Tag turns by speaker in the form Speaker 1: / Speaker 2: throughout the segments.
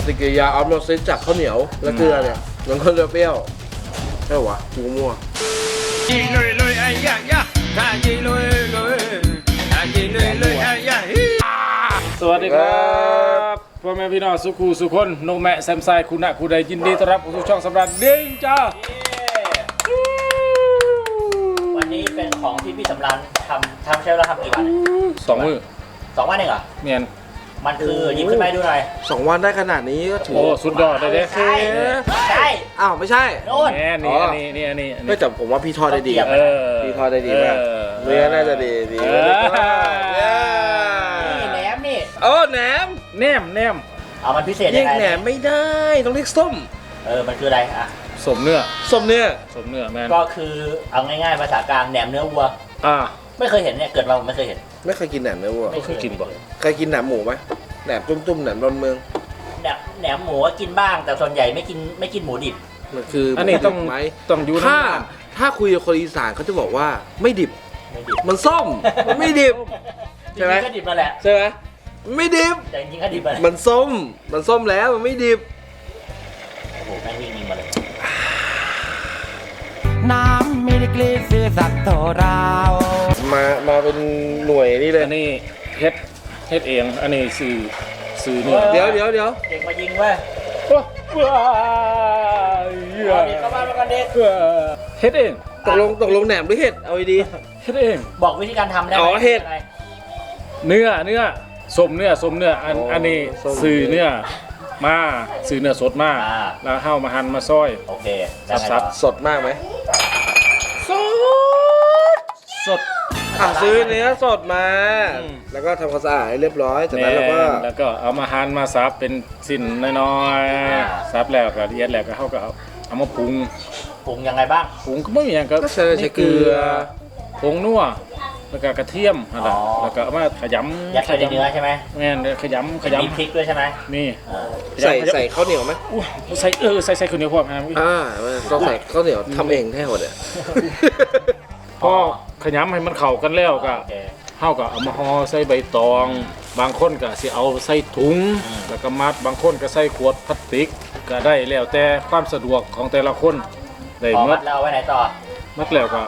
Speaker 1: ฏิกิริยาออสโมซิสจากข้าวเหนียวและเกลือเนี่ยมันก็จะเปรี้ยวใช่หรอกูมั่วจีเลยเลยไอ้ยะยะถ้าจีเลยเลยถ้าจีเลยเลยไอ้ยะ
Speaker 2: สวัสดีครับพ่อแม่พี่น้องสุขูสุคนนกแม่แซมไซคุณะคุณใดยินดีต้อนรับเข้าสู่ช่องสำราญดิ้งจ้า
Speaker 3: วันนี้เป็นของที่พี่สำราญทำใช้เวลาทำกี่วัน
Speaker 2: 2 มื้อ
Speaker 3: 2 วันเองเหรอ
Speaker 2: เมียน
Speaker 3: มันคือหยิบขึ้นไปดูหน่อย
Speaker 1: 2 วันได้ขนาดนี้ก็ถือ
Speaker 2: โอ้สุดยอดเลยเด้
Speaker 3: ใช่
Speaker 1: อ้าวไม่ใช่
Speaker 3: โน่น
Speaker 2: นี่
Speaker 1: ไม่แต่ผมว่าพี่ทอดได้ดีพี่ทอดได้ดีมากเนื้อน่าจะดี
Speaker 3: นี่แหนมนี่
Speaker 1: แหนม
Speaker 3: เอามันพิเศษ
Speaker 1: เรี
Speaker 3: ยั
Speaker 1: ย
Speaker 3: ง
Speaker 1: ก
Speaker 3: ไง
Speaker 1: แหนมไม่ได้ต้องเรียกส้ม
Speaker 3: มันคืออะไรอะ
Speaker 2: สมเนื้อแมน
Speaker 3: ก็คือเอาง่ายๆภาษากลางแหนมเนื้อวัวไม่เคยเห็นเนี่ยเกิดมาผมไม่เคยเห็น
Speaker 1: ไม่เคยกินแหนมเนื้อวัว
Speaker 2: ไม่เคยกินบ่
Speaker 1: เคยกินแหนมหมูไหมแหนมตุ้มๆแหนมดอนเมือง
Speaker 3: แหนมหมูกินบ้างแต่ส่วนใหญ่ไม่กินหมูดิบ
Speaker 1: มันคือ
Speaker 2: อันนี้ต้องอยู่
Speaker 1: ถ้าคุยกับคนอีสานเขาจะบอกว่าไม่ดิบมันส้มมันไม่ดิบ
Speaker 3: ใช่ไหมก็ดิบมาแหละ
Speaker 1: ใช่ไหมไม่ดิบ
Speaker 3: แต่จริงๆก็ดิบ
Speaker 1: มันส้มแล้วมันไม่ดิบ
Speaker 3: โอ้โหแม่งวิ่งมาเลย
Speaker 4: น้ำไม่ได้กลีเสียสักเท่าไร
Speaker 1: มาเป็นหน่วยนี่เลย
Speaker 2: อันนี้เฮ็ดเองอันนี้สื่อเนื้อ
Speaker 1: เดี๋ยว
Speaker 3: เด็กมายิงเว้ยเด็กเข้าบ้านมากันเด็ก
Speaker 2: เฮ็ดเอง
Speaker 1: ตกลงแหนมหรือเห็ดเอาดี
Speaker 2: เฮ็ดเอง
Speaker 3: บอกวิธีการทำได้ไหม
Speaker 1: เห็ด
Speaker 2: เนื้อสมเนื้ออันนี้สื่อเนื้อมาสื่อเนื้อสดมากแล้วเข้ามาหั่นมาซอย
Speaker 3: โอเค
Speaker 1: สับสดมากไหม
Speaker 2: สด
Speaker 1: ซื้อเนื้อสดมาแล้วก็ทำความสะอาดให้เรียบร้อยจากนั้นแล้ว
Speaker 2: ก็เอามาหั่นมาสับเป็นสิ้นน้อยๆสับแล้วก็ละเอียดแล้วก็เขาก็เอามาปรุง
Speaker 3: ยังไงบ้าง
Speaker 2: ปรุงก็ไม่มีอย่างก็
Speaker 1: ใส่เกลือ
Speaker 2: ผงนัวแล้วก็กระเทียมแล้วก็เอามาขยำ
Speaker 3: ยัดใส่ในเนื้อใช่ไหม
Speaker 2: แม่นขยำ
Speaker 3: มีพริกด้วยใช่ไหม
Speaker 2: นี่
Speaker 1: ใส่ข้าวเหนียวไหม
Speaker 2: ใส่ข้าวเหนียวพอไหม
Speaker 1: ต้องใส่ข้าวเหนียวทำเองแท้หมดเลย
Speaker 2: พอขยำให้มันเข้ากันแล้วก็เข้าก็เอามาห่อใส่ใบตองบางคนก็สิเอาใส่ถุงแล้วก็มัดบางคนก็ใส่ขวดพลาสติกก็ได้แล้วแต่ความสะดวกของแต่ละคนได้
Speaker 3: มัดแล้วไว้ไหนต่อ
Speaker 2: มัดแล้วก็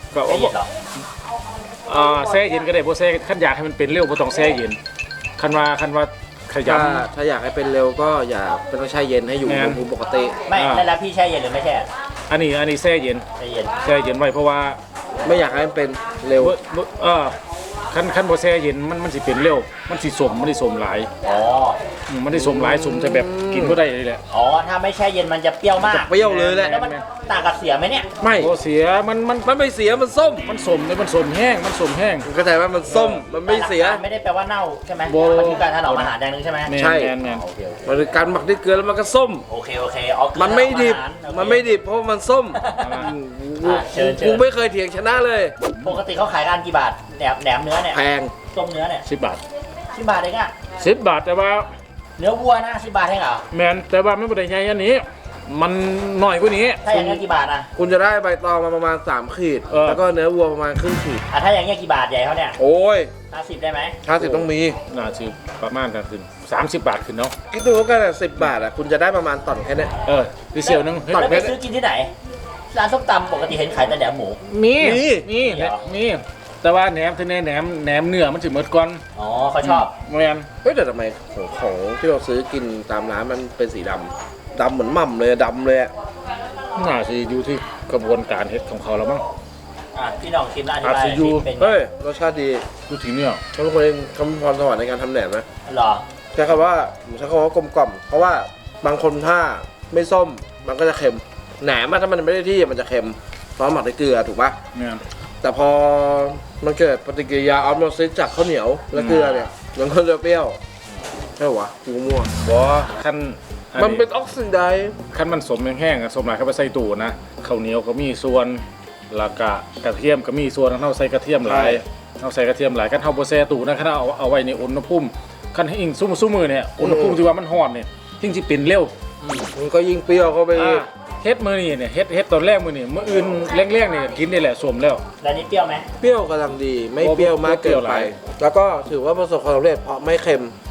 Speaker 2: แช่เย็นก็ได้เพราะแช่ขั้นอยากให้มันเป็นเร็วเพราะต้องแช่เย็นคันว่าขย
Speaker 1: ำถ้าอยากให้เป็นเร็วก็อย่าเป็นต้องแช่เย็นให้อยู่อุณหภูมิปกติ
Speaker 3: ไม่แล้วพี่แช่เย็นหรือไม่แช่
Speaker 2: อันนี้แช่เย็นไว้เพราะว่า
Speaker 1: ไม่อยากให้มันเป็นเร็ว
Speaker 2: ขั้นบ่แช่เย็นมันสิเป็นเร็วมันสิสมหลายมันได้สมหลายสมจะแบบกินก็ได้เลยแหละ
Speaker 3: ถ้าไม่แช่เย็นมันจะเปรี้ยวมาก
Speaker 1: เปรี้ยวเลยแหละ
Speaker 3: แล้วมันต่างกับเสียไหมเนี่ย
Speaker 1: ไม่
Speaker 2: เสียมัน
Speaker 1: ไม่เสียมันส้ม
Speaker 2: มันสมแห้ง
Speaker 1: เข้าใจว่ามันส้มมันไม่เสีย
Speaker 3: ไม่ได้แปลว่าเน่าใช่ไหมมันคือการถนอมอาหารอย่างนึงใช่ไหม
Speaker 1: ใช่มันคือการหมักด้วยเกลือแล้วมันก็ส้ม
Speaker 3: โอเค
Speaker 1: มันไม่ดิบเพราะมันส้มกูไม่เคยเถียงชนะเลย
Speaker 3: ปกติเขาขายกันกี่บาทแหนมเนื้อเนี่ย
Speaker 1: แพง
Speaker 3: ต้มเนื้อเนี่ย
Speaker 2: 10 บาท
Speaker 3: เองอะ
Speaker 2: 10 บาทแต่ว่า
Speaker 3: เนื้อวัวนะ10 บาทเองเหรอ
Speaker 2: แมนแต่ว่าไม่ได้ใหญ่อันนี้มันหน่อยกว่านี้
Speaker 3: ถ้าอย่างเงี้ยกี่บาทนะ
Speaker 1: คุณจะได้ใบตองมาประมาณ3 ขีดแล้วก็เนื้อวัวประมาณครึ่งขีด
Speaker 3: ถ้าอย่างเงี้ยกี่บาทใหญ่เขาเนี่ย
Speaker 1: โอ้ย
Speaker 3: 50ได้ไหม
Speaker 1: 50ต้องมี
Speaker 2: น่าจะประมาณกันขึ้น30 บาทขึ้นเนาะ
Speaker 1: คิดดูกัน10 บาทคุณจะได้ประมาณต่อนแค่นี้
Speaker 2: ดิเซียวนึง
Speaker 3: ต่อนไปซื้อกินที่ไหนร้านส้มตำปกติเห็นขายแต่แหนมหมู
Speaker 2: มีแต่ว่าแหนมเนื้อมันถึงหมดก่อน
Speaker 3: เขาชอบ
Speaker 2: แมน
Speaker 1: แต่ทำไมของที่เราซื้อกินตามร้านมันเป็นสีดำเหมือนหม่ำเลยดำเลย
Speaker 2: น่าจะอยู่ที่กระบวนการเฮ็ดของเขาแล้วมั้ง
Speaker 3: พี่น้องชิมแล้วอธิบาย
Speaker 1: เป็นรสชาติดี
Speaker 2: ดูถึงเนื้อ
Speaker 1: เขาเป็นคนเองคำพรสวรรค์ในการทำแหนมไหม
Speaker 3: หรอ
Speaker 1: ใช้คำว่ากลมกล่อมเพราะว่าบางคนถ้าไม่ส้มมันก็จะเค็มแหนมถ้ามันไม่ได้ที่มันจะเค็มเพราะหมักด้วยเกลือถูกปะแต่พอมันเกิดปฏิกิริยาออสโมซิสจากข้าวเหนียวและเกลือเนี่ยมันก็จะเปรี้ยวใช่หรอกูมั่ว
Speaker 2: ขั้น
Speaker 1: มันเป็นออกซิไดซ์
Speaker 2: ขั้นมันสมแห้งๆสมหลายเข้าไปใส่ตู้นะข้าวเหนียวก็มีส่วนแล้วก็กระเทียมก็มีส่วนเราใส่กระเทียมหลายกันเท่าโบแซตู้นะขั้นเอาไว้ในอุณหภูมิขั้นให้อิงซุ้มมือเนี่ยอุณหภูมิที่ว่ามันร้อนเนี่ยยิ่งจะเป็นเร็ว
Speaker 1: มันก็ยิ่งเปรี้ยวเข้าไป
Speaker 2: เฮ็ดมือนี่เนี่ยเฮ็ดตอนแรกมือนี่มื้ออื่นแรกๆนี่กินนี่แหละสมแล้ว
Speaker 3: แล้วนี่เปรี้ยวไหม
Speaker 1: เปรี้ยวกำลังดีไม่เปรี้ยวมากเกินไปแล้วก็ถือว่าประสบความสำเร็จเพราะไม่เค็ม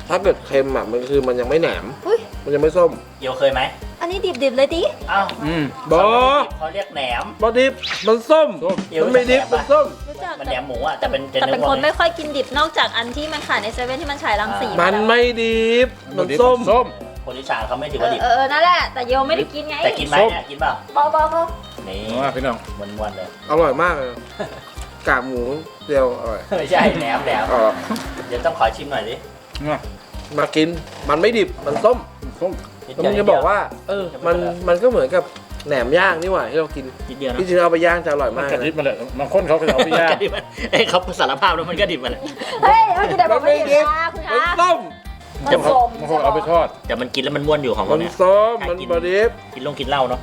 Speaker 1: ถ้าเกิดเค็มอ่ะมันคือมันยังไม่แหนม
Speaker 5: อุ๊ย
Speaker 1: มันยังไม่ส้ม
Speaker 3: เกี๊ยวเคยไหม
Speaker 5: อันนี้ดิบๆเลยดิ
Speaker 3: อ้าว
Speaker 1: บอ
Speaker 3: เขาเรียกแหนม
Speaker 1: บอดิบมันส้ม
Speaker 3: เดี๋ยว
Speaker 1: มันไม่ดิบ
Speaker 3: จะแหนม
Speaker 1: มันส้ม
Speaker 5: รู้จัก
Speaker 3: มันแหนมหมูอ่ะแต่เป็น
Speaker 5: แต่เป็น
Speaker 3: อ
Speaker 5: คนไม่ค่อยกินดิบนอกจากอันที่มันขายในเซเว่นที่มันฉายรังสี
Speaker 1: มันไม่ดิบมันส้ม
Speaker 2: ส้ม
Speaker 3: คนอีสานเขาไม่ถือว่าดิบ
Speaker 5: นั่นแหละแต่โยไม่ได้กินไง
Speaker 3: แต่กินไหมเนี่ยกินเปล่า
Speaker 5: เบา
Speaker 3: นี่
Speaker 2: ว่าพี่น้อง
Speaker 3: ม้วนๆเลย
Speaker 1: อร่อยมากเลยกากหมูเดียวอร่อย
Speaker 3: ไม่ใช่แหนม
Speaker 1: อร่อย
Speaker 3: เดี๋ยวต้องขอชิมหน่อยดิ
Speaker 2: นะ
Speaker 1: มากินมันไม่ดิบมันส้ม
Speaker 2: ส้ม
Speaker 1: แล้วมึงจะบอกว่ามันก็เหมือนกับแหนมย่างนี่หว่าที่เรากิน
Speaker 3: นิดเดียวนะ
Speaker 1: ที่จริงเอาไปย่างจะอร่อย
Speaker 2: มัน
Speaker 1: มาก
Speaker 2: กระดิบ
Speaker 1: นะ
Speaker 2: มาเลยบางคนเขาก็เอาไปย่าง
Speaker 3: กระดิบมันเขาสารภาพแล้วมันก็ดิบมัน
Speaker 5: ๆเฮ้ยเมื่อกี้แต่บอกไม่ดิบนะคุณ
Speaker 1: มัน
Speaker 5: คะ
Speaker 1: ส้ม
Speaker 5: มัน
Speaker 2: บาง
Speaker 5: ส้ม
Speaker 2: คนเอาไปทอด
Speaker 3: แต่มันกินแล้วมันม้วนอยู่ของ
Speaker 1: มั
Speaker 3: เรา
Speaker 1: น
Speaker 3: เนี่ย
Speaker 1: ส้มมันบอดิบ
Speaker 3: กินลงกินเหล้าเนาะ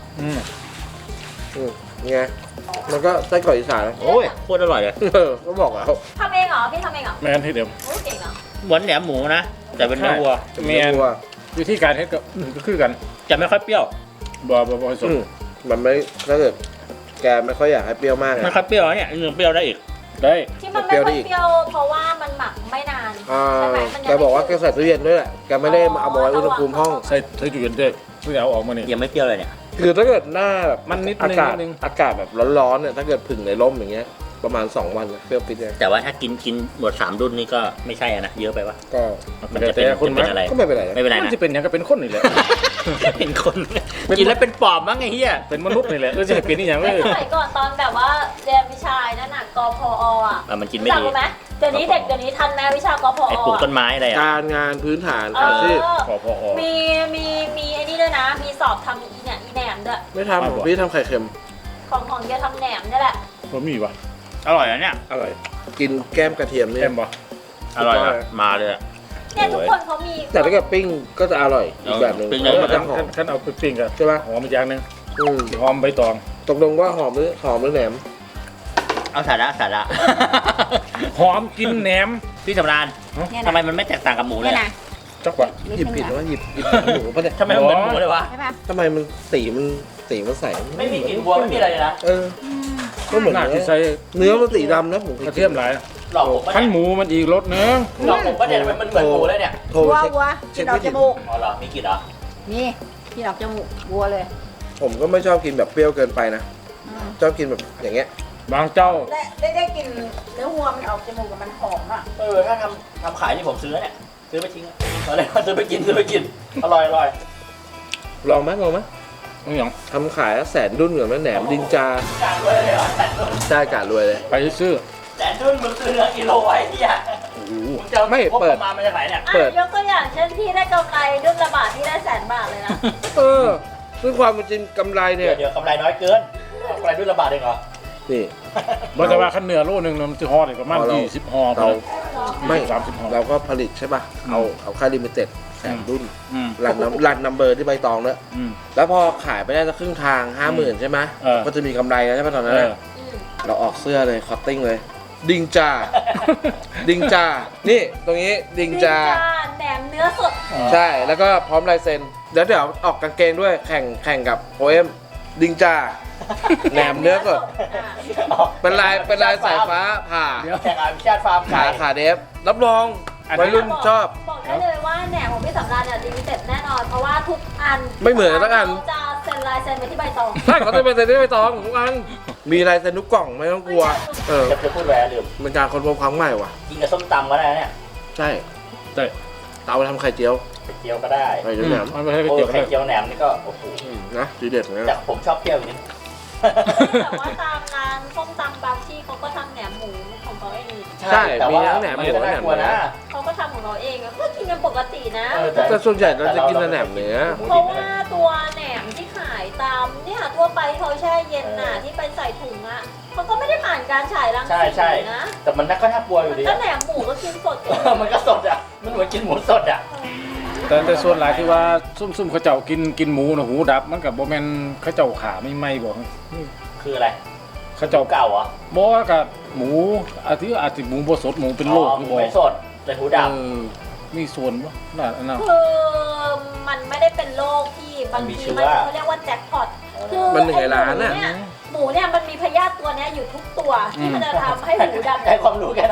Speaker 1: ไงมันก็ไส้กรอกอีสาน
Speaker 3: โอ้ยโคตรอร่อยเลย
Speaker 1: ก็บอกแล้ว
Speaker 5: ทำเองเหรอพี่ทำเองเหรอ
Speaker 2: แม่นที่เดิม
Speaker 5: โอ้ยเก่งเหรอ
Speaker 3: เหมือนแหนมหมูนะแต่เป็นเนื้อวัว
Speaker 2: แม่นวิธีการเฮ็ดก็คือกัน
Speaker 3: จะไม่ค่อยเปรี้ยว
Speaker 2: บ่ให้สด
Speaker 1: มันไม่ถ้าเกิดแกไม่ค่อยอยากให้เปรี้ยวมาก
Speaker 3: ไม่ค่อยเปรี้ยวนะเนี่ยยังเปรี้ยวได้อีก
Speaker 2: ได้
Speaker 5: ที่มันไม่ค่อยเปรี้ยวเพราะว่ามันหมักไม่นานใช่ไหมมัน
Speaker 1: แกบอกว่าแกใส่ตู้เย็นด้วยแหละแกไม่ได้เอามาไว้อุณหภูมิห้อง
Speaker 2: ใส่ตู้เย็นด้วยเพื่อเอาออกมานี่
Speaker 3: ยังไม่เปรี้ยวเลยเนี่ย
Speaker 1: คือถ้าเกิดหน้าแบบ
Speaker 2: มันนิดนึง
Speaker 1: อากาศ
Speaker 2: นิดนึง
Speaker 1: อากาศแบบร้อนๆเนี่ยถ้าเกิดผึ่งในร่มอย่างเงี้ยประมาณ2 วันเปรี้ยวปิดเลย
Speaker 3: แต่ว่าถ้ากินหมด3รุ่นนี่ก็ไม่ใช่อะนะเยอะไปวะ
Speaker 1: ก็
Speaker 3: มันจะเป็นอะไร
Speaker 1: ก็ไม่เป็นไรนะ
Speaker 3: ไม่เป็นไร
Speaker 2: มัน
Speaker 3: นะ
Speaker 2: จะเป็นอย่างก็เป็นคนนี่แหละ
Speaker 3: เป็นคนกินแล้วเป็นปอบมั้งไอ้เหี้ย
Speaker 2: เป็นมนุษย์นี่แหละจะให้เป็นนี่อย่างเล
Speaker 5: แต่
Speaker 2: ย
Speaker 5: สมัยก่อนตอนแบบว่าเรียนวิชานั่นน่ะกพออ่ะ
Speaker 3: มันกินไม่
Speaker 5: จำ
Speaker 3: ดี
Speaker 5: รู้ไหมเดี๋ยวนี้เด็กเดี๋ยวนี้ทันไหมวิชากพอ
Speaker 3: ไอ้ปลูกต้นไม้อะไรอ่ะ
Speaker 1: การงานพื้นฐาน
Speaker 5: เอ
Speaker 1: อาชีพ
Speaker 5: อ
Speaker 2: พอ
Speaker 5: มีไอ้นี่ด้วยนะ มีสอบทำอีเนี่ยอีแหนมด้วย
Speaker 1: ไม่ทำของพี่ทำไข่เค็ม
Speaker 5: ของแกทำแหนมนี่แหละ
Speaker 2: บ่มีวะ
Speaker 3: อร่อยนะเนี่ย
Speaker 1: อร่อยกินแก้มกระเทียมนี่
Speaker 2: แอมบ่
Speaker 3: อร่อยนะมาเลยอะ
Speaker 5: เนี่ยทุกคนเขามี
Speaker 1: แต่ถ้าเกิดปิ้งก็จะอร่อยอีกแบบหนึ่ง
Speaker 3: ปิ้ง
Speaker 1: เพ
Speaker 3: เลย
Speaker 1: ราะมันจะหอม
Speaker 2: ขั้นเอาไปปิ้งกัน
Speaker 1: ใช่ปะ
Speaker 2: หอมอีกอย่างหนึง
Speaker 1: อืม
Speaker 2: หอมใบตอง
Speaker 1: ตกลงว่าหอมหรือแหนม
Speaker 3: เอาสาระ
Speaker 2: หอมกินแหนม
Speaker 3: พี่สำราญทำไมมันไม่แตกต่างกับหมูเลย
Speaker 5: เนี่ย
Speaker 3: อะ
Speaker 5: นะ
Speaker 2: จักว่า
Speaker 1: หยิบผิดว่าหยิบหมูปะเนี่ย
Speaker 3: ทำไมมันเหมือนหมูเลยวะ
Speaker 5: ใช่ปะ
Speaker 1: ทำไมมันสีมันใส
Speaker 3: ไม่มีกลิ่นวัวไม่มีอะไรเลยนะ
Speaker 1: ก็เหมือน
Speaker 2: น่า
Speaker 1: เนื้
Speaker 2: จะ
Speaker 1: อ
Speaker 2: ใส่
Speaker 1: เนื้อมันสีดำนะผม
Speaker 2: กระเทียมหลาย
Speaker 3: หลอกผมปะ
Speaker 2: ขั้น
Speaker 3: เนี่ย
Speaker 2: หมูมันอีกรสนึง
Speaker 3: หลอกผมปะเนี่ยทำไมมันเหมือนหมูเลยเนี่ย
Speaker 1: โทร
Speaker 5: วัว
Speaker 1: เช็ค
Speaker 5: วัว
Speaker 1: เช็
Speaker 5: กิ
Speaker 1: คน
Speaker 5: ออก
Speaker 1: ไม่
Speaker 5: จ
Speaker 1: ผิด
Speaker 5: มูก
Speaker 3: อ๋อเหรอมีกลิ่นเหรอ
Speaker 5: นี่กินออกจมูกวัวเลย
Speaker 1: ผมก็ไม่ชอบกินแบบเปรี้ยวเกินไปนะชอบกินแบบอย่างเงี้ย
Speaker 2: บางเจ้า
Speaker 5: ได้กินเนื้อวัวมันออกจมูกกับมันหอมอ่ะ
Speaker 3: ถ้าทำขายนี่ผมซื้อเนี่ยซื้อไปทิ้งอะไรมาซื้อไปกินอร่อย
Speaker 1: ลองไหม
Speaker 2: นี่หยัง
Speaker 1: ทำขายแล้ว100,000ดุ้นเหมือนแหนมดินจา
Speaker 3: การด้วยเลยเหรอ
Speaker 1: ได้กาดรวยเลย
Speaker 2: ไปซื้อ
Speaker 3: แต่ดุนมึงซื้อเนื้อกิโลไอ้เหี้ย
Speaker 2: โอ้โห
Speaker 3: มึงจะ
Speaker 1: ไม่
Speaker 3: พบ
Speaker 1: เปิด
Speaker 3: ประมาณมาจากไหนเนี่ย
Speaker 1: เปิด
Speaker 5: ยกตัวอย่างเช่นที่ได้กำไรดุลละบาทที่ได้100,000 เลยนะ
Speaker 1: ซึ่งความเป็นจริงกำไรเนี่ย
Speaker 3: เดี๋ยวกำไรน้อยเกินกำไรดุนละบาทเองเหรอ
Speaker 1: นี่
Speaker 2: บ่แต่ว่าขั้นเนื้อโลนึงมันจะห่อได้ประมาณ
Speaker 1: เรา
Speaker 2: 20ห่อ
Speaker 1: เราไม่
Speaker 2: 30ห่อ
Speaker 1: เราก็ผลิตใช่ป่ะเอาค่าลิมิเต็ด100,000ดุ้น
Speaker 2: อืม
Speaker 1: รันนัมเบอร์ที่ใบตองเนี่ย
Speaker 2: อืม
Speaker 1: แล้วพอขายไปได้สักครึ่งทาง 50,000 ใช่ไหม
Speaker 2: เออ
Speaker 1: ก็จะมีกำไรแล้วใช่ป่ะตอนนั้น
Speaker 2: เอ
Speaker 1: น่ะ
Speaker 2: อ
Speaker 1: เราออกเสื้อเลยคอตติ้งเลย ดิงจา ดิงจา นี่ตรงนี้ดิงจา
Speaker 5: แหนมเนื้อสด
Speaker 1: ใช่ แล้วก็พร้อมลายเซ็นเดี๋ยวออกกางเกงด้วยแข่งกับโอเอ็มดิงจา แหนมเนื้อสด เป็นลายสายฟ้าผ่า
Speaker 3: เดี๋ยวแข่งอาชาติฟาร์ม
Speaker 1: ขาเดฟ รับรองวัยรุ่นชอบ
Speaker 5: บอกได้เลยว่าแหนมของพี่สำราญเนี่ยลิมิเต็ดแน่นอน เพราะว่าทุกอัน
Speaker 1: ไม่เหมือนกันสักอัน
Speaker 5: เขาจะเซ็นลายเซ็นไปที่ใบตอง
Speaker 1: ใช่เขาจะเป็นเซ็นที่ใบตองทุกอัน มีลายเซ็นทุกกล่องไม่ต้องกลัว
Speaker 3: จะพูดแหวนลืม
Speaker 1: เป็นการค้นพบครั้งใหม่ว่ะ
Speaker 3: กินกับส้มตำก็ได้เนี่ย
Speaker 1: ใช่
Speaker 2: ได้
Speaker 1: เตาทำไข่เจียว
Speaker 3: ไข่เจียวก็ได้
Speaker 1: ไข่เจียวแหนม
Speaker 2: มันไม่ให้ไป
Speaker 3: โอ้
Speaker 2: เกี่ยว
Speaker 3: ไข่
Speaker 2: กัน
Speaker 3: เจียวแหนมนี่ก็โอ้โห
Speaker 1: นะดีเด็ดนะ
Speaker 3: แต่ผมชอบเปรี้ยวอย่างนี้
Speaker 5: แต่ว่าตามร้านส้มตำบางที่เขาก็ทำแหนมหมูของเขาเอง
Speaker 1: ใช่
Speaker 3: แต่
Speaker 1: มี
Speaker 3: ว่า
Speaker 1: ทั้งแหนมหมู
Speaker 3: ก็
Speaker 1: และแหน
Speaker 3: น่าม กลัว
Speaker 1: เนื้
Speaker 3: นะ
Speaker 1: อ
Speaker 5: เขาก็ทำของเราเองอะก็กินกันปกตินะ
Speaker 1: แต่ส่วนใหญ่เราจะกินแต่แหนมเนื้อ
Speaker 5: เพราะว่าตัวแหนมที่ขายตามเนี่ยทั่วไปเขาแช่เย็นน่ะที่ไปใส่ถุงอ่ะเขาก็ไม่ได้ผ่านการฉายรัง
Speaker 3: ใช่
Speaker 5: สีนะ
Speaker 3: แต่มันก็น่ากลัวอยู่ดี
Speaker 5: ก็แหนมหมูก็กินสด
Speaker 3: มันก็สดอ่ะมันเหมือนกินหมูสดอ่ะ
Speaker 2: แต่ส่วนหลายที่ว่าซุ่มเขาเจ้ากินหมูนะหูดับมันกับบ่แม่นเขาเจ้าขาไม่ไหม้บ่
Speaker 3: คืออะไร
Speaker 2: เขาเจ้า
Speaker 3: เก่าเหรอ
Speaker 2: บ่ว่ากับหมูอาทิหมูบ่สดหมูเป็นโรคหรือบ่
Speaker 3: ไม่สดแต่หูด
Speaker 2: มีส่วนบ่น่าอันนั้น
Speaker 5: คือมันไม่ได้เป็นโรคที่บางทีมันเขาเรียกว่าแจ็คพอตคือ
Speaker 1: มันหนึ่งในล้านน่ะ
Speaker 5: หมูเนี่ยมันมีพยาธิตัวเนี้ยอยู่ทุกตัวที่มันจะทำให้หูดำ
Speaker 3: ำให้ความรู้แกหน่อย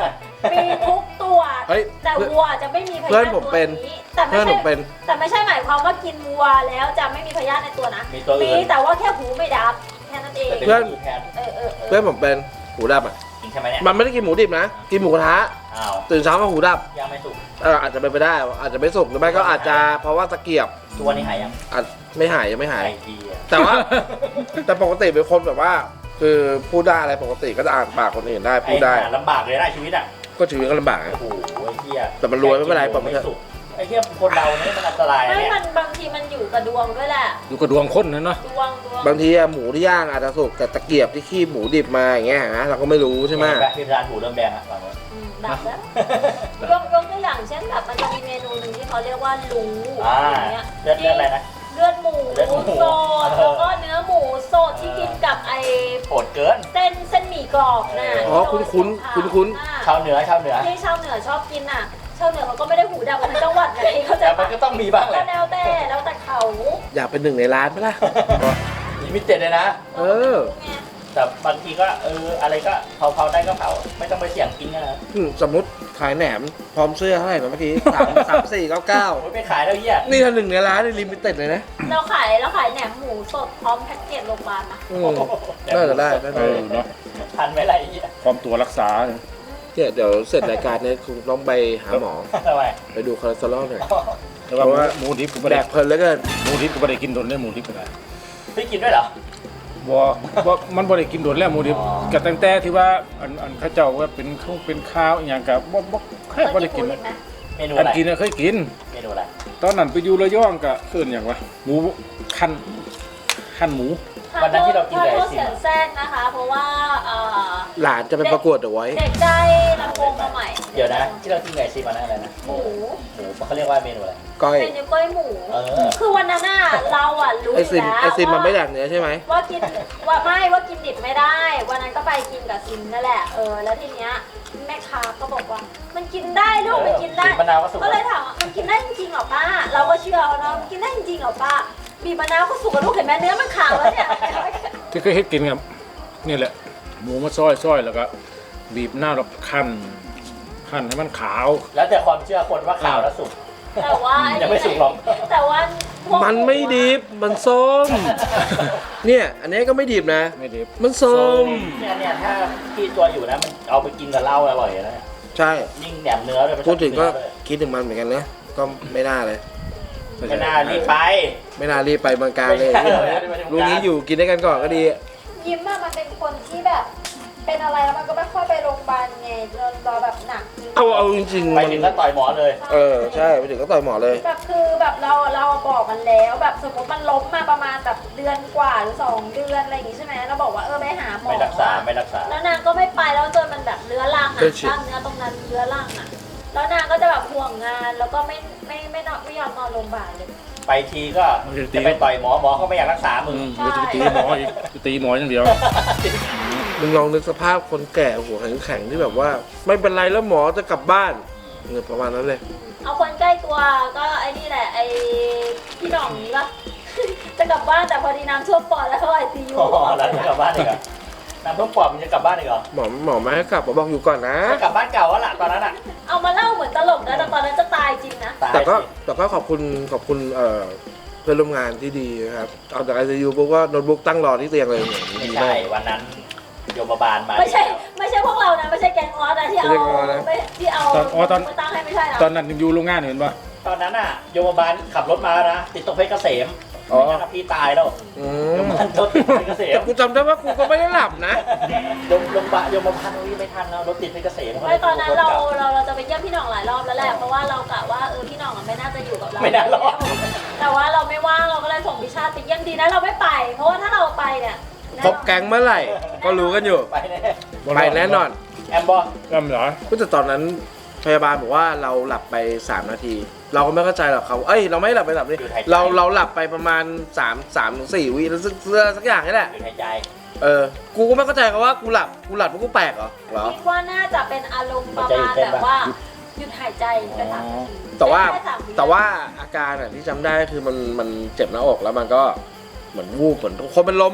Speaker 5: มีทุกตัว
Speaker 1: เฮ้ย
Speaker 5: แต่วัวจะไม่มีพ
Speaker 1: เพื่
Speaker 5: ยา
Speaker 1: อน
Speaker 5: ธิ
Speaker 1: ผมเป็น
Speaker 5: ตัวนี้แต่ไม่
Speaker 1: เพื่อนผ
Speaker 5: ใช่
Speaker 1: มเป็น
Speaker 5: แต่ไม่ใช่หมายความว่ากินวัวแล้วจะไม่มีพยาธิในตัวนะ
Speaker 3: มีตัวอื่น
Speaker 5: มีแต่ว่าแค่หูไม่ดับแค่นั้นเอง
Speaker 1: เพื่อน
Speaker 3: แทน
Speaker 1: เพื่อนผมเป็นหูดับอ่ะ
Speaker 3: จริงใช่ไหมเนี่ย
Speaker 1: มันไม่ได้กินหมูดิบนะ กินหมูกระทะ
Speaker 3: อ้าว
Speaker 1: ตื่นเช้ามาหูดับ
Speaker 3: ยังไม่สุก
Speaker 1: อาจจะเป็นไปได้ อาจจะไม่สุกหรือไม่ก็อาจจะเพราะว่าตะเกียบ
Speaker 3: ตัวนี้หายยัง
Speaker 1: อาจไม่หายยังไม่หาย
Speaker 3: ไอ้ทีอะ
Speaker 1: แต่ว่า แต่ปกติเป็นคนแบบว่า คือพูดได้อะไรปกติก็จะอ่านปากคนอื่นได้พูดได้
Speaker 3: ไอ้หาลำบากเลยนะชีวิตอ่ะ
Speaker 1: ก็ชีวิตก็ลำบาก
Speaker 3: โอ้
Speaker 1: นะ
Speaker 3: โหไอ้เหี้ย
Speaker 1: แต่มันรวยไม่เป็นไรปล่อยมั
Speaker 3: ไม่
Speaker 1: นเถอะ
Speaker 3: สุกไอ้เหี้ยคนเราเนี่ยมันอันตรายนะ
Speaker 5: ไม่
Speaker 3: เนี่ย
Speaker 5: มันบางทีมันอยู่กับดวงด้วยแหละ
Speaker 2: อยู่กับดวงคนนะเนาะ
Speaker 5: ดวง
Speaker 1: บางทีอะหมูที่ย่างอาจจะสุกแต่ตะเกียบที่คีบหมูดิบมาอย่างเงี้ยนะเราก็ไม่รู้ใช่ไหม
Speaker 3: แบบที่ร้านหูเริ่มแดงอ่ะฝั่งนู้น
Speaker 5: ดับแล้วยกตัวอย่างเช่นแบบมันจะมีเมนูหนึ่งที่เขาเรียกว่าลู
Speaker 3: อ่า
Speaker 5: อย่างเงี้ย
Speaker 3: เลือดอะไรนะ
Speaker 5: เลือดหมู
Speaker 3: เลือดหมู
Speaker 5: สดแล้วก็เนื้อหมูสดที่กินกับไอ
Speaker 3: โหดเกิน
Speaker 5: เส้นหมี่กรอบน่ะ
Speaker 1: อ๋อคุ้น
Speaker 3: ชาวเหนือ
Speaker 5: ที่ชาวเหนือชอบกินน่ะชาวเหนือเขาก็ไม่ได้หูดับกันทั้งจังหวัดไงเขาใจ
Speaker 3: แต่มันก็ต้องมีบ้างแห
Speaker 5: ก็
Speaker 3: ละ
Speaker 5: แล้วแต่เขา
Speaker 1: อยากเป็นหนึ่งในร้านไหมล่ะ
Speaker 3: ลิมิเต็ดเลยนะ
Speaker 1: เออ
Speaker 5: ไง
Speaker 3: แต่บางทีก็อะไรก็เผาได้ก็เผาไม่ต้องไปเสี่ยงกินนะ
Speaker 1: สมมติขายแหนมพร้อมเสื้อเท่าไหร่นะเมื่อกี้3,499
Speaker 3: โอ้ยไปขายแล้วเหี้ย
Speaker 1: นี่ถ้าหนึ่งในร้านนี่ลิมิเต็ดเลยนะ
Speaker 5: เราขายแหนมหมูสดพร้อมแพ็กเกจโรงพยาบาลนะ
Speaker 1: อืมน่าจะได้น่า
Speaker 2: เอ
Speaker 1: จะ
Speaker 2: อ
Speaker 1: ได้
Speaker 2: เนาะ
Speaker 3: ทันไหมล่ะไอ้เหี้ย
Speaker 2: ความตัวรักษา
Speaker 1: เนี่ยเดี๋ยวเสร็จรายการเนี่ยคุณต้องไปหาหมอ
Speaker 3: ทำไม
Speaker 1: ไปดูคอเลสเตอรอลหน่อย
Speaker 2: แต่ว่า
Speaker 1: เพราะว่า
Speaker 2: หมูดิบกูไม่
Speaker 1: แด
Speaker 2: ได้
Speaker 1: กเพลินเหลือเกิน
Speaker 2: หมูดิบกูไม่ได้กินโดนได้หมูดิบกูได้
Speaker 3: พี่กินด้วยเหรอ
Speaker 2: บ่มันบ่ได้กินโดนแล้วหมูดิบก็ตั้งแต่ที่ว่าอันเขาเจ้าว่าเป็นข้าวอหย่างกับบ่แค่บ่ได้กิน
Speaker 5: เค
Speaker 2: เลย
Speaker 5: ยไหม
Speaker 3: เมนู
Speaker 2: อั
Speaker 3: อะ
Speaker 2: น
Speaker 3: ไร
Speaker 2: กินน่ะเคยกิน
Speaker 3: เมนูอะไร
Speaker 2: ตอนนั้นไปอยู่ระยองก็เอิ้นหยังวะหมูคั่นหมู
Speaker 3: วันนั้นที่เรากิน
Speaker 5: ขอ
Speaker 3: ไก่
Speaker 5: โทษ
Speaker 3: สิ
Speaker 5: เสียงแทรกนะคะ เพราะว่า
Speaker 1: หลานจะไปประกวดเดอะไว้
Speaker 5: เด็กได้ลำโพงมาใหม่
Speaker 3: เดี๋ยวนะที่เรากินไก่ซีมันอะไรนะ
Speaker 5: หมู
Speaker 3: หมูเขาเรียกว่าเมนูอะไร
Speaker 1: ก้อย
Speaker 5: เป็นนิ้วก้อยหมู
Speaker 3: เออ
Speaker 5: คือวันนั้นน่ะเราอ่ะรู้
Speaker 1: ไอ
Speaker 5: อยู่
Speaker 1: ซิม
Speaker 5: แล้ว
Speaker 1: ไอซิมมันไม่แดกเนื้อใช่ไหม
Speaker 5: ว่ากินว่ากินดิบไม่ได้ วันนั้นก็ไปกินกับซิมนั่นแหละแล้วทีเนี้ยแม่ค้าก็บอกว่า มันกินได้ลูกมันกินได้
Speaker 3: บีบมะนาวก็สุก
Speaker 5: ก็เลยถามว่ามันกินได้จริงๆเหรอป้า เราก็เชื่อเอาเนาะมันกินได้จริงๆเหรอป้าบีบมะนาวก็สุกกับลูกเห็นไหมเนื้อมันขาวแล้วเนี่ย
Speaker 2: ที่เคยเฮ็ดกินครับนี่แหละ หมูมาซอยแล้วก็บีบหน้าแล้วคั่นให้มันขาว
Speaker 3: แล้วแต่ความเชื่อคนว่าขาวแล้วสุก
Speaker 5: แต่ว่า
Speaker 3: ยังไม่สุกหรอก
Speaker 5: แต่ว่าพวก
Speaker 1: มันไม่ดิบ มันส้ม เนี่ย อันนี้ก็ไม่ดิบนะ
Speaker 2: ไม่ดิบ
Speaker 1: มันส้ม
Speaker 3: เนี่ยถ้าที่ตัวอยู่นะมันเอาไปกินกับเหล้าอร่อยนะ
Speaker 1: ใช่
Speaker 3: ยิ่งแหนมเนื้อเลย
Speaker 1: พูดถึงก็คิดถึงมันเหมือนกันนะ ก็ไม่น่าเลย
Speaker 3: ไม่น่ารีบไป
Speaker 1: ไม่น่ารีบไปเมืองการเลย
Speaker 3: ไม่น่ารีบไปเมืองกาญ
Speaker 1: รู้งี้อยู่กินด้วยกันก่อนก็ดี
Speaker 5: ยิ้มอะมันเป็นคนที่แบบ เป็นอะไรแล้วมันก็ไม่ค่อยไปโรงพยาบาลไงรอแบบหนักจริง
Speaker 1: เอาจริงๆ
Speaker 3: ไป
Speaker 1: มัน
Speaker 3: ถึงก็ต่อยหมอเลย
Speaker 1: ใช่ไปถึงก็ต่อยหมอเลย
Speaker 5: แบบคือแบบเราบอกมันแล้วแบบสมมติมันล้มมาประมาณแบบเดือนกว่าหรือ2 เดือนอะไรอย่างงี้ใช่ไหมเราบอกว่าไปหาหมอ
Speaker 3: ไม่รักษา
Speaker 5: แล้วนางก็ไม่ไปแล้วจนมันแบบเรื้อรังอ่ะ
Speaker 1: เป็นชิ
Speaker 5: กล้ามเนื้อตรงนั้นเรื้อรังอ่ะแล้วนางก็จะแบบห่วงงานแล้วก็ไม่ยอมนอนโรงพยาบาลเลย
Speaker 3: ไปทีก็จะไปต่อยหมอก็ไม่อยากรักษามึง
Speaker 2: เดี๋ยวจะไปตีหมออีกจะตีหมออย่างเดียว
Speaker 1: มึงลองนึกสภาพคนแก่หัวแข็งๆที่แบบว่า ไม่เป็นไรแล้วหมอจะกลับบ้านเนี่ยประมาณนั้นเลย
Speaker 5: เอาคนใกล้ตัวก็ไอ้นี่แหละไอ้พี่หน่องนี้ปะ จะกลับบ้านแต่พอดีน้ำท่วมปอดแล้วเขาไอซียู
Speaker 3: อ๋อแล้วจะกลับบ้านอีกเหรอน้ำท่วมปอดมันจะกลับบ้านอีกเหรอ
Speaker 1: หมอไม่ให้กลับหมอบอกอยู่ก่อนนะ
Speaker 3: จะกลับบ้านเก่าแล้วล่ะตอนนั้นอ่ะ
Speaker 5: เอามาเล่าเหมือนตลกนะแต่ตอนนั้นจะตายจริงนะ
Speaker 3: ตาย
Speaker 1: แต่ก็ขอบคุณเพื่อนร่วมงานที่ดีนะครับเอาจากไอซียูปุ๊บก็โน้ตบุ๊กตั้งรอที่เตียงเลย
Speaker 3: ไม่
Speaker 1: ดี
Speaker 3: ใช่
Speaker 1: มาก
Speaker 3: วันนั้นโยมบาลมา
Speaker 5: ไม่ใช่พวกเรานะไม่ใช่แกงออสนะที่เอา
Speaker 1: ไม่ใช่แก๊งออสนะ
Speaker 5: ที่เอามาตั้งให้ไม่ใช่นะ
Speaker 2: ตอนนั้นอยู่โรงงานเห็นป่ะ
Speaker 3: ตอนนั้นอ่ะโยมบาลขับรถมานะติดตรงเพชรเกษม
Speaker 1: อ๋อ
Speaker 3: ไม่งั้นพี่ตายแล้ว
Speaker 1: อื
Speaker 3: โย
Speaker 1: ม
Speaker 3: มบาลรถติดเพชรเกษม
Speaker 1: แต่กูจำได้ว่ากูก็ไม่ได้หลับนะ
Speaker 3: โยมบาลวิ่งไม่ทันแล้วรถติดเพชรเกษม
Speaker 5: ไม่ตอนนั้นเราจะไปเยี่ยมพี่หน่องหลายรอบแล้วแหละเพราะว่าเรากะว่าพี่หน่องไม่น่าจะอยู่กับเรา
Speaker 3: ไม่น่ารอด
Speaker 5: แต่ว่าเราไม่ว่างเราก็เลยส่งพิชาติไปเยี่ยมดีนะเราไม่ไป เพราะว่าถ้าเราไปเนี่ย
Speaker 1: พบแก๊งเมื่อไหร่ ก็รู้กันอยู่
Speaker 3: ไปแน่
Speaker 1: ไปแน่นอน
Speaker 3: แอมบอ
Speaker 2: จำเหรอ
Speaker 1: ก็แต่ตอนนั้นพยาบาลบอกว่าเราหลับไป3 นาที เราก็ไม่เข้าใจหรอกเขาเราไม่หลับไป3 นาทีเราหลับไปประมาณ3 ถึง 4 วิแล้วสักอย่างนี่แหละ
Speaker 3: หยุดหายใจ
Speaker 1: กูก็ไม่เข้าใจเขาว่ากูหลับเพราะกูแปลกเหรอ
Speaker 5: คิดว่าน่าจะเป็นอารมณ์ประมาณแบบว่าหยุดหายใจไป3 นาที
Speaker 1: แต่ว่า
Speaker 5: แค่3 วิ
Speaker 1: แต่ว่าอาการที่จำได้คือมันเจ็บหน้าอกแล้วมันก็เหมือนวูบเหมือนคนเป็นลมอ่ะ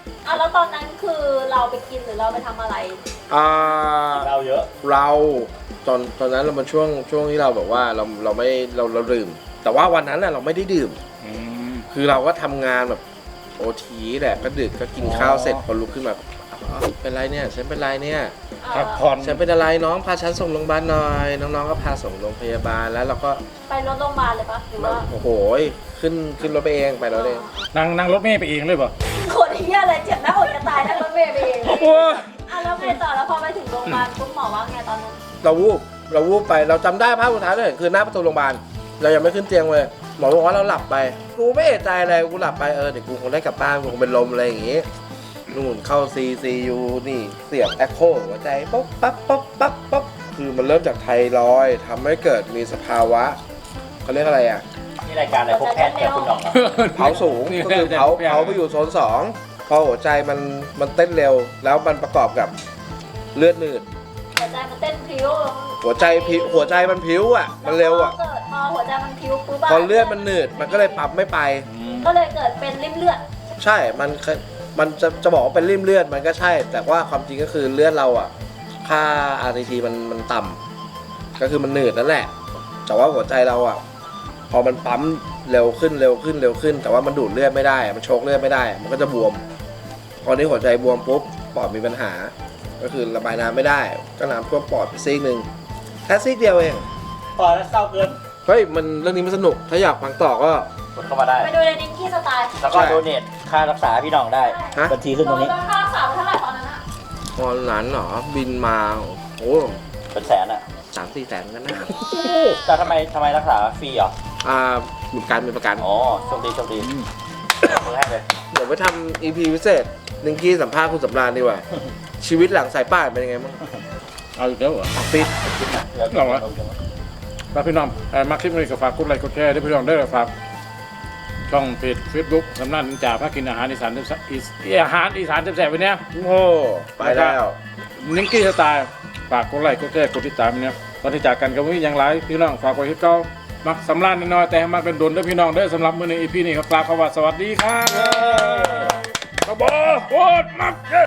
Speaker 5: แล้วตอนนั้นคือเราไปกินหรือเราไปทำอะไร
Speaker 3: เราเยอะ
Speaker 1: เราตอนนั้นเรามันช่วงที่เราแบบว่าเราไม่เราดื่ม แต่ว่าวันนั้นน่ะเราไม่ได้ดื่ม คือเราก็ทำงานแบบโอทีแหละก็ดึกก็กินข้าวเสร็จพอลุกขึ้นมาเป็นไรเนี่ยฉันเป็นไรเนี่ย
Speaker 2: พักผ่อน
Speaker 1: ฉันเป็นอะไรน้องพาฉันส่งโรงพยาบาลหน่อยน้องๆก็พาส่งโรงพยาบาลแล้วเราก็
Speaker 5: ไปรถโรงพยาบาลเลยปะหรือว่า
Speaker 1: โอ้โหขึ้นรถไปเองไปรถเอง
Speaker 2: นั่งรถเมล์ไปเองเลยป่ะ
Speaker 5: คนเฮียอะไรเจ็บหน้าอกจะตายนั่งรถเมล์ไปเอง
Speaker 2: โอ้ย
Speaker 5: แล้วไงต่อแล้วพอไปถึงโรงพยาบาลปุ๊บหมอว่าไงตอนนั้น
Speaker 1: เราวูบไปเราจำได้ภาพสุดท้ายเลยคือหน้าประตูโรงพยาบาลเรายังไม่ขึ้นเตียงเลยหมอบอกว่าเราหลับไปกูไม่เอะใจอะไรกูหลับไปเดี๋ยวกูคงได้กลับบ้านกูคงเป็นลมอะไรอย่างงี้นู่นเข้า CCU นี่เสียบแอคโคหัวใจป๊บปั๊บปั๊บปั๊บปั๊บคือมันเริ่มจากไทรอยด์ทำให้เกิดมีสภาวะเขาเรียกอะไรอ่ะ
Speaker 3: นี่รายการอะไรพวกแพทย์กับคุณหน่องเหรอ
Speaker 1: เผาสูงก็คือเผาไปอยู่โซน2พอหัวใจมันเต้นเร็วแล้วมันประกอบกับเลือดหนืด
Speaker 5: หัวใจมันเต้นพริ้ว
Speaker 1: หัวใจมันพิ้วอ่ะมันเร็วอ่ะ
Speaker 5: พอหัวใจมันพริ้วปุ๊บ
Speaker 1: พอเลือดมันหนืดมันก็เลยปั๊มไม่ไป
Speaker 5: ก็เลยเกิดเป็นริ่มเลือด
Speaker 1: ใช่มันจะบอกว่าเป็นริ่มเลือดมันก็ใช่ แต่ว่าความจริงก็คือเลือดเราอ่ะค่า RTT มันต่ำก็คือมันหนืดนั่นแหละแต่ว่าหัวใจเราอ่ะพอมันปั๊มเร็วขึ้น แต่ว่ามันดูดเลือดไม่ได้มันโชกเลือดไม่ได้มันก็จะบวมพอนี้หัวใจบวมปุ๊บปอดมีปัญหาก็คือระบายน้ำไม่ได้ก็น้ำท่วมปอดไปซีกหนึ่งแค่ซีกเดียวเอง
Speaker 3: พอแล้วเศร้าเกิน
Speaker 1: เฮ้ยมันเรื่องนี้มันสนุกถ้าอยากฟังต่อก็
Speaker 3: กดเข้ามาได้
Speaker 5: ไปดูในนิงกี้สไตล์
Speaker 3: แล้วก็โดเนทค่ารักษาพี่หน่องได้
Speaker 1: ฮะ
Speaker 3: บัญชีขึ้นตรงนี้
Speaker 5: โดนค่ารักษาไปเท่าไหร่ตอนนั้นอะ
Speaker 1: ตอนนั้นเหรอบินมาโอ้
Speaker 3: เป็นแสนอ่ะ
Speaker 1: 3-4 แสนกันนะ
Speaker 3: แต่ทำไมรักษาฟรีเหรอ
Speaker 1: มีประกัน
Speaker 3: อ๋อโชคดีมือให้เลย
Speaker 1: เดี๋ยวไปทำ EP พิเศษนิงกี้สัมภาษณ์คุณสำราญดีกว่า ชีวิตหลังสายป่านเป็นยังไงบ้าง
Speaker 2: เอาอีกแล้วเหรอ
Speaker 1: ปิด
Speaker 2: หรอวะ ฝากพี่น้องมาคลิปนี้ก็ฝากกดไลค์กดแชร์ด้วยพี่น้องได้เลยฝากช่องเพจ Facebook สำนักนินจาพากินอาหารอีสานอาหารอีสานแซ่บๆไปเนี้ย
Speaker 1: โอ้ไปแล้ว
Speaker 2: นิงกี้สไตล์ฝากกดไลค์กดแชร์กดติดตามเนี่ยตอนที่จากกันก็ไม่มีอย่างไรพี่น้องฝากไว้ที่เก้ามักสำราญน้อยๆแต่ให้มักเป็นดุลด้วยพี่น้องเด้อสำหรับมื้อใน EP นี้ครับกล่าวคำว่าสวัสดีครับขอบคุณมัก